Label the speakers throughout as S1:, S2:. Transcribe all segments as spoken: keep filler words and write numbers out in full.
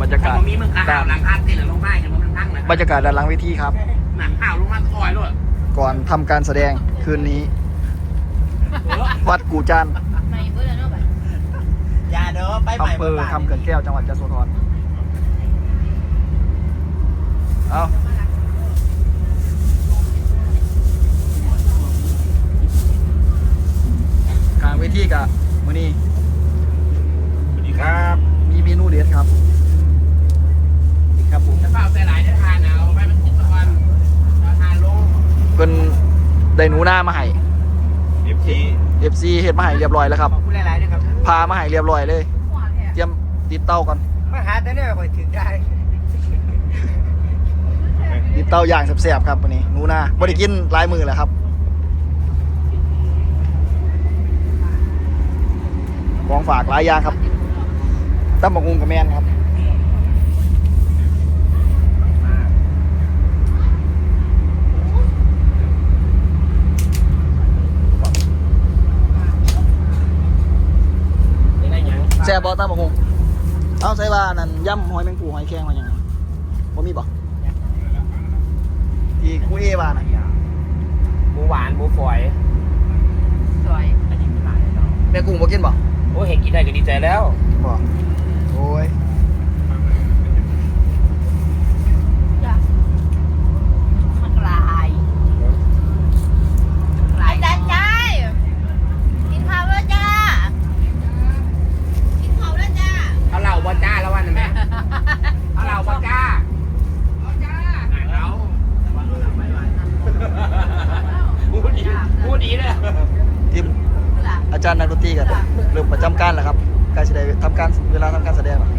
S1: รยากาศ
S2: มีมึงข้าวหลังคาที่หลังลงได้จะมันทั้งเลย
S1: บรรยากาศด้านหลังเวทีครับ
S2: หนังข้าวลงมาคอยด้วย
S1: ก่อนทำการแสดงคืนนี้ วัดกู่จันทร์
S3: ไม่เบื่อเนาะแบบ
S4: อย่าเด้อไปใหม่
S1: อำเภอคำเขื่อนแก้วจังหวัดยโสธรเอากลางเวทีกับมื้อนี้
S2: สวัสดีครับ
S1: มีเมนูเด็ดครับนี่ครับผม
S2: จะเปล่าใส่หลายได้ทานเอาไปมันกินตะวันทานลง
S1: เพิ่นได้หนูหน้ามาให้
S2: เอฟซี
S1: เอฟซีเฮ็ดมาให้เรียบร้อยแล้วครับ
S4: ขอบคุณหลายๆด้วยครับ
S1: พามาให้เรียบร้อยเลย เตรียมติดเต้าก่อน
S4: มาหาแต่เนี่ยคอยถึงได้
S1: ติดเต้าอย่างแซ่บๆครับวันนี้หนูหน้าบ่ได้กินหลายมื้อแล้วครับของฝากหลายอย่างครับตั้มบักหุ่งกับแมนครับแซ่บบ่ตั้มบักหุ่งเอาใส่ว่านั่นย่ำหอยแมงปูหอยแครงว่าหยังไงบ่มีบ่ที่ครูเอว่าน่ะ
S2: หมูหวานหมูฝอย
S3: สวย
S2: อันนี้ไม่หลายเนาะ
S1: แม่กุ้งบ่กินบ่
S2: โอ้เห็นกินได้ก็ดีใจแล้ว
S1: บ่โอ้ย
S3: จ้ะมันกลายกลายจ้าจ้ากินข้าวแล้วจ้ากินข้าวแล้วจ้า
S2: เอาเหล่าบอจ้าแล้ววันนั้นไหมเอาเหล่าบอจ้าเอาจ้าเราพูดดีพูดดีเลย
S1: ทีมอาจารย์นักดนตรีกันเริ่มประจำการแล้วครับใกล้จะได้ทำการเวลาทำการแสดงแล้ว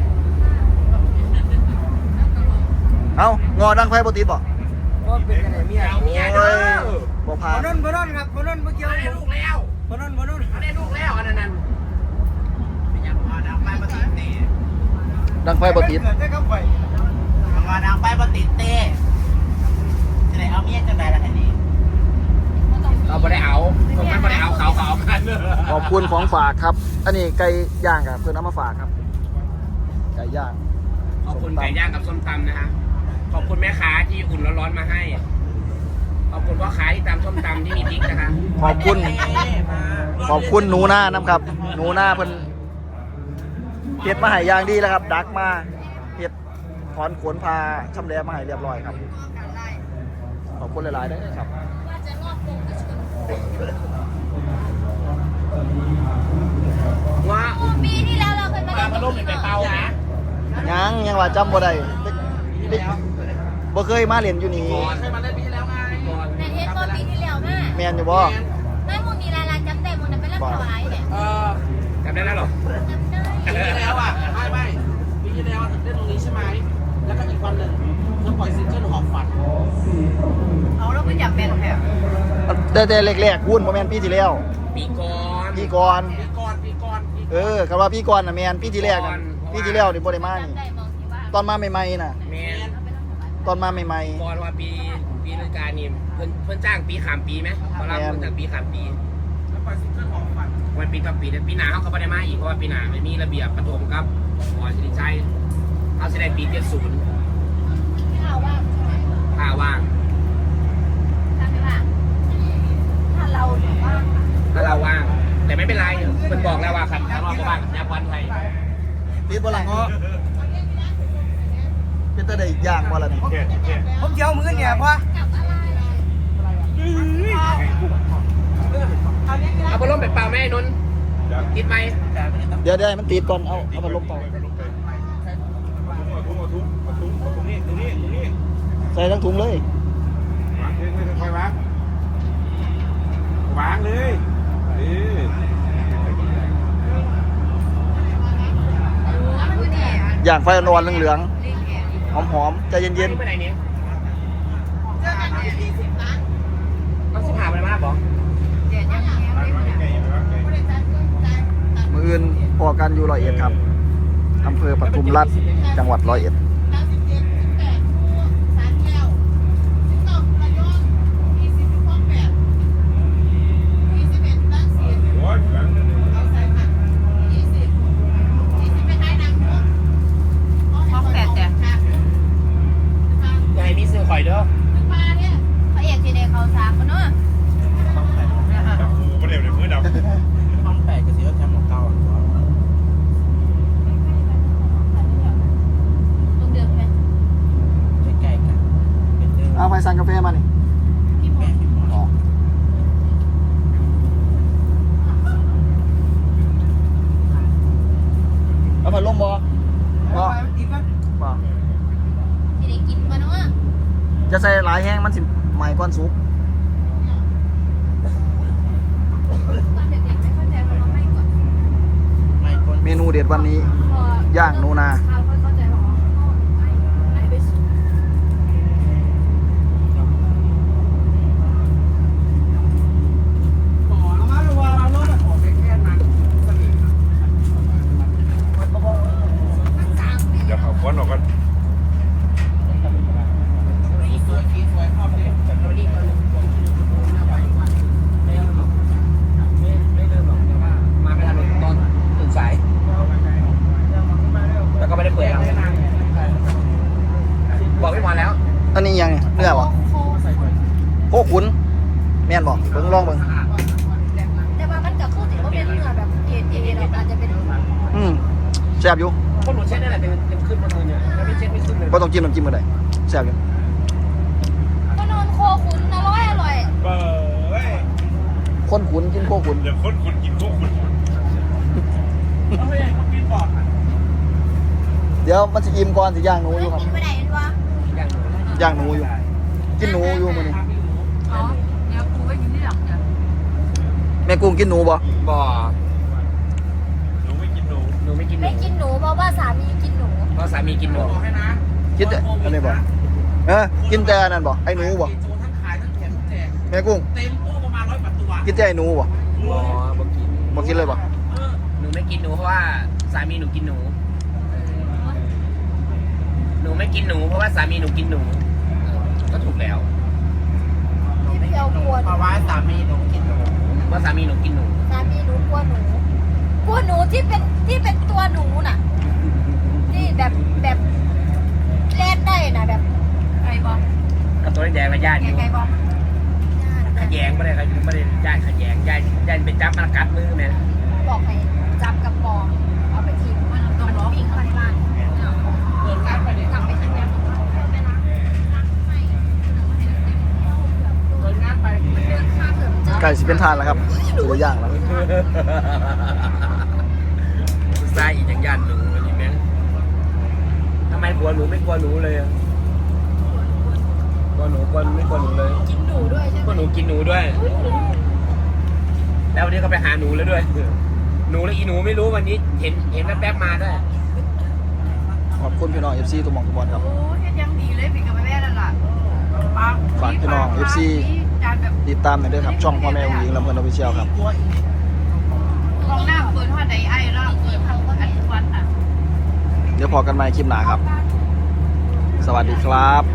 S1: เอ้างอดังไฟบ่ติดบ่
S4: ว่าเป็นยังไงเมีย
S2: เอาเมียเด้อ
S1: บ่พา
S4: บนนบนนครับบนนเมื่อกี้
S2: เขาได้ลูกแล้ว
S4: บนนบนน
S2: เขาได้ลูกแล้วอันนั้นนั่นเป็นยังพอดังไปปฏิเต
S1: ดังไฟบ่ติด
S4: ได้ครับไป
S2: พอดังไปปฏิเตจะได้เอาเมียจังไดล่ะทีนี้เราไม่ได้เอาผมไม่ได้เอาเขาเขาเอากัน
S1: ขอบคุณของฝากครับ อันนี้ไก่ย่างครับเพิ่นเอามาฝากครับไก่ย่าง
S2: ขอบคุณไก่ย่างกับส้มตำนะฮะขอบคุณแม่ค้าที่อุ่นร้อนๆมาให้ ขอบคุณพ่อค้าที่ตำส้มตำที่มีพริกนะคะ
S1: ขอบคุณขอบคุณหนูหน้าน้ำครับ หนูหน้าเพิ่นเฮ็ดมาให้อย่างดีแล้วครับ ดักมาเฮ็ดถอนขนพาชำแหละมาให้เรียบร้อยครับขอบคุณหลายๆเด้อครับ
S2: ว่า
S3: ปีที่แล้วเราเคยมา
S2: ปลาพะโล้เป็นไปเป่านะ
S1: ยังยังว่าจำบ่ได้เด็กบ่เคยมาเล่นอยู่นี่
S2: ก่อนเคยมาเล่นปีที่แล้วไงก่อน
S3: ในเทปตอนปีที่แล้วแม่
S1: แม่นอยู่บ่
S3: แม่มุนีลาลาจำได้มุนเป็นเรื่องถวายเนี่ย
S2: เออจำได้แล้วหรอ
S3: จำได้
S2: ปีที่แล้วอ่ะไม่ไม่ปีที่แล้วเล่นตรงนี้ใช่ไหมแล้วก็อีกวันหนึ่งเธอปล่อยซิงเกิลหอบฝัน
S3: เอาแล้วก็อยากเป็นแบบ
S1: แต่แต่แรกๆวุ่นบ่แม่นปีที่แล้ว
S2: ปีก่อน
S1: ปีก่อน
S2: ปีก่อนปีก่อนปี
S1: เออคำว่าปีก่อนน่ะแม่นปีที่แรกน่ะปีที่แล้วนี่บ่ได้มานี่
S3: จำได้มองที่ว่า
S1: ตอนมาใหม่ๆน่ะ
S2: แมน
S1: ตอนมาใหม่
S2: ก่อนว่าปีปีฤดูกาลนี่เพิ่นเพิ่นจ้างปีขามปีไหมตอนแรกเพิ่นจ้างปีขามปีแล้วปล่อยซิงเกิลหอบฝันวันปีต่อปีแต่ปีหน้าเขาก็ไม่ได้มาอีกเพราะว่าปีหน้าไม่มีระเบียบประถมครับหอสิริชัยเขาแสดงปีเจ็ดศูนย์
S3: ข่าวว่า
S2: ถ้าว่าง
S3: ถ้าไม่ว่าถ้าเราถือว่า
S2: ถ้าเราว่าง แต่ไม่เป็นไรเพิ่นบอกแล้วว่าครับถ้าเราบ่ว่างนับวันไทย
S1: ๆติดบ่ล่ะเงาะเป็นตาได้ย่างบ่ล่ะนี่
S4: ผมเจียวมือเนี่ยพ่อ
S2: เอาพัดลมไปเป่าแม่นนท์ติดไหม
S1: เดี๋ยวเดี๋ยวให้มันติดก่อนเอาเอาพัดลมเป่าใส่ทั้งถุงเลย
S5: วางเลยเออ
S1: ย่างไฟอ่อนๆเหลืองๆหอมๆใจเย็น
S2: ไปไหนเนี่ยต้องสิบห้าไปมาบอก
S3: เดี๋ยวยังไงไม่ได้
S1: ๆมื้ออื่นพอกันอยู่ร้อยเอ็ดครับอำเภอปทุมราชจังหวัดร้อยเอ็ด
S2: อยเด้อ
S3: มาเนี่ยพระเอกจีเดเขาสามคนเนาะ
S5: ดับมือประเดี๋ยวเดี๋ยวมือดับ
S6: ต้องแปดกับสีแชมป์ของเก่า
S3: ตรงเดิมไหม
S6: ใกล้ๆกันเป็นเรื่อง
S1: เอาไปสั่งกาแฟมานี่
S3: พี่หมอ
S1: อ๋อเอาพัดลมบ่บ่
S4: อีกมั้ย
S1: บ่
S3: จีเดกินมาเนาะ
S1: จะใส่หลายแห้งมันสิใหม่ก่อนสุก
S3: ตอนเด็กๆไม่เข้าใจเพราะว่าไม่ก่อน
S6: ไม่คน
S1: เมนูเด็ดวันนี้ ย่างนูนา
S3: เขาเข้าใจว่าอ๋อไม่ไม่ไปสุด
S4: เอามาดูว่าเราโน่นน่ะ
S5: เดี๋ยวเขาก้อนออกกัน
S2: มาไม่ทันตอนตื่นสายแล้วก็ไม่ได้เปิดครับบอกพี่หมอแล้ว
S1: อันนี้ยังไงเนื้อบ่
S3: โค
S1: โคขุนแม่นบ่เบิ่งลองเบิ่ง
S3: แต่ว่ามันกับคู่ถือว่าเป็นเนื้อแบบเอเอเราอาจจะเป็น
S1: อืมแซ่บอยู่
S2: คนหนูเช็ดนี่แหละเป็นเป็นขึ้นมาเลยเนี่ยถ้าไม่เช็ดไม่ขึ้นเลย
S1: บ่ต้องจิ้มน้ำจิ้มก็ได้แซ่บอยู่
S3: ก็นอนโคขุนอร่อยอร่อย
S5: เบ้ย
S1: คนขุนกินโคขุน
S5: เดี๋ยวคนคุณกินพวกคุณเอาไม่ใช่เขากินบอด
S1: เดี๋ยวมันสิอิ่มก่อนสิย่างหนูอยู่ครับ
S3: กินไปไหนวะ
S2: อย่างหนู
S1: ย่างหนูอยู่ กินหนูอยู่มื้อนี้
S3: อ๋อเดี๋ยวกูไปกินที่หลังเนี่ย
S1: แม่กุ้งกินหนูบ่
S2: บ่อ
S5: หนูไม่กินหนู
S2: หนูไม่กินหนู
S3: ไม่กินหนูเพราะว่าสามีกินหนู
S2: เพราะสามีกินหนู
S1: กินแต่อันนี้บ่เออกินแต่อันนั้นบ่ไอ้หนูบ่
S6: โจทั้งขายทั้งแถมทั้งแจก
S1: แม่กุ้ง
S6: เต็มตู้ประมาณร้อยกว่าตัว
S1: กินแต่ไอ้หนูบ่
S2: บ่บ่กิน
S1: บ่กินเลยบ่
S2: หนูไม่กินหนูเพราะว่าสามีหนูกินหนู หนูไม่กินหนูเพราะว่าสามีหนูกินหนู ก็ถูกแล้ว
S3: พี่เพียวกลัวห
S6: เพ
S3: นู
S6: ราะว่าสามีหนูกินหนู
S2: ว่าสามีหนูกินหนู
S3: สามีหนูกลัวหนูกลัวหนูที่เป็นที่เป็นตัวหนูน่ะที่แบบแบบเล่นได้น่ะแบบไก่บอล
S2: กับตัวแดงๆมาญาติอยู่
S3: ไก่บอล
S2: ขยงไม่ได้ไม่ได้ญาติขยงญาติญาติเป็นจับมันกัดมือแม่
S3: บอกให้จับกับปองเอาไปทิ้งมันตรงวิ่งเข้าในบ้านเปิดการไปเลยกลับไปทางนี้
S1: ไก่สิเป็นทานแล้วครับสิได้ย่างแล้ว
S2: ใส่อีกอย่างญาติหนูอันนี้แม่ทำไมกลัวหนูไม่กลัวหนูเลยกลัวหนูกลัวไม่กลัวหนูเลย
S3: กินหนูด้วยใช่
S2: กลัว
S3: ไห
S2: ห
S3: ม
S2: นูกินหนูด้วย แล้ววันนี้ก็ไปหาหนูแล้วด้วย หนูแล้วอีหนูไม่รู้วันนี้เห็นเห็นแป๊บๆมาด้วย
S1: ขอบคุณพี่น้อง เอฟ ซี ทุกหม่องทุกบอลครับ
S3: โอ้ยยังดีเลยพี่กับแม่นั่นแหละ
S1: ฝากพี่น้อง เอฟ ซี
S3: จานแบบ
S1: ติดตามกันด้วยครับ ช่องพ่อแม่ผู้หญิงลำเพลินออฟฟิเชียลครับ
S3: ห้องหน้าเปิดห้องใดไอ้แล้วเปิดห้องอันทุกวันอ่ะ
S1: เดี๋ยวพอกันใหม่คลิปหน้าครับ สวัสดีครับ